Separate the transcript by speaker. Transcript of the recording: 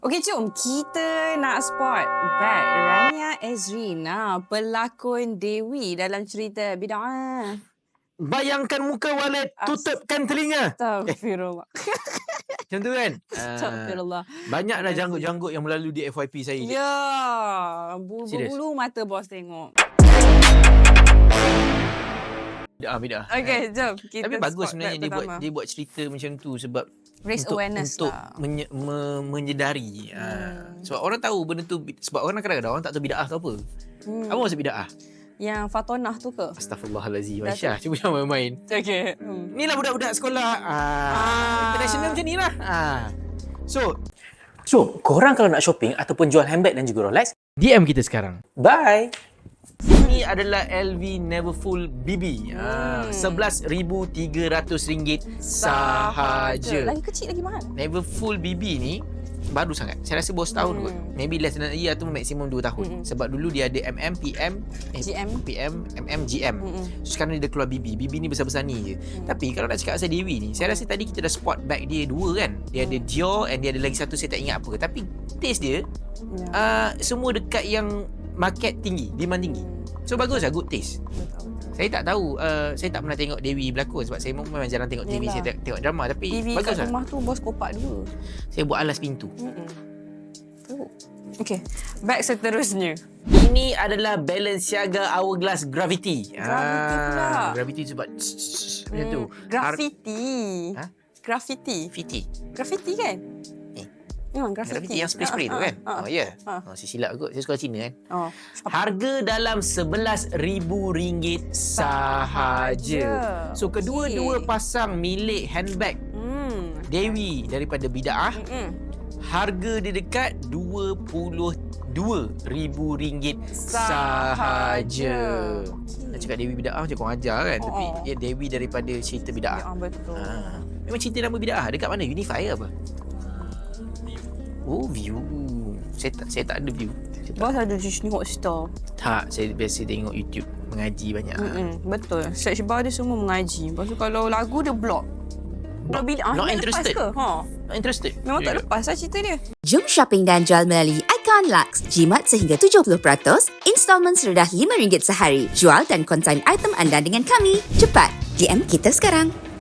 Speaker 1: Okey, jom kita nak spot back Rania Ezrina, pelakon Dewi dalam cerita Bida'ah.
Speaker 2: Bayangkan muka walet, tutupkan telinga.
Speaker 1: Astagfirullah.
Speaker 2: Macam tu kan?
Speaker 1: Astagfirullah.
Speaker 2: Banyaklah janggut-janggut yang melalui di FYP saya.
Speaker 1: Ya, bulu-bulu mata bos tengok.
Speaker 2: Bida'ah.
Speaker 1: Okey, jom kita
Speaker 2: Tapi bagus
Speaker 1: spot
Speaker 2: sebenarnya
Speaker 1: back
Speaker 2: dia buat cerita macam tu sebab
Speaker 1: raise awareness
Speaker 2: untuk
Speaker 1: lah.
Speaker 2: menyedari. Sebab orang tahu benda tu, sebab orang kadang-kadang orang tak tahu bida'ah tu apa. Apa maksud bida'ah?
Speaker 1: Yang Fatonah tu ke?
Speaker 2: Astaghfirullahalazim. Aisyah, cuba jangan main-main.
Speaker 1: Okey.
Speaker 2: Inilah budak-budak sekolah international macam ni lah. So, korang kalau nak shopping ataupun jual handbag dan juga Rolex, DM kita sekarang. Bye! Ini adalah LV Neverfull BB. RM11,300 sahaja.
Speaker 1: Lagi kecil lagi mahal.
Speaker 2: Neverfull BB ni baru sangat. Saya rasa baru setahun kot. Maybe less than a year atau maksimum 2 tahun. Sebab dulu dia ada MM, PM, PM, MM, GM. So sekarang dia dah keluar BB. BB ni besar-besar ni je. Tapi kalau nak cakap pasal Dewi ni, saya rasa tadi kita dah spot back dia dua kan. Dia ada Dior and dia ada lagi satu saya tak ingat apa. Tapi taste dia semua dekat yang market tinggi, demand tinggi. So bagus lah, good taste. Saya tak tahu, saya tak pernah tengok Dewi berlakon sebab saya memang jarang tengok TV, saya tengok drama. Tapi
Speaker 1: TV
Speaker 2: bagus
Speaker 1: kat
Speaker 2: lah.
Speaker 1: rumah tu bos kopak dua.
Speaker 2: Saya buat alas pintu.
Speaker 1: Okey, back seterusnya.
Speaker 2: Ini adalah Balenciaga Hourglass Gravity.
Speaker 1: Gravity pula.
Speaker 2: Gravity sebab macam tu.
Speaker 1: Graffiti.
Speaker 2: Graffiti.
Speaker 1: Graffiti kan? Memang
Speaker 2: Graffiti yang spray-spray tu kan? Oh ya. Saya silap kot. Saya sekolah Cina kan? Harga dalam RM11,000 sahaja. So kedua-dua pasang milik handbag Dewi daripada Bida'ah. Harga dia dekat RM22,000 sahaja. Nak cakap Dewi Bida'ah macam korang ajar kan? Tapi Dewi daripada cerita Bida'ah.
Speaker 1: Ya, betul.
Speaker 2: Memang cerita nama Bida'ah dekat mana? Unify apa? Oh, View. Saya tak ada View.
Speaker 1: Bos ada Disney Hotstar.
Speaker 2: Tak, saya biasa tengok YouTube. Mengaji banyak.
Speaker 1: Betul. Search bar dia semua mengaji. Lepas tu kalau lagu dia block. Kalau Bida'ah
Speaker 2: Not
Speaker 1: nak
Speaker 2: interested.
Speaker 1: lepas ke?
Speaker 2: Not interested.
Speaker 1: Memang tak lepas lah cerita dia.
Speaker 3: Jom shopping dan jual melalui Icon Lux. Jimat sehingga 70%, installment serendah RM5 sehari. Jual dan konsign item anda dengan kami. Cepat, DM kita sekarang.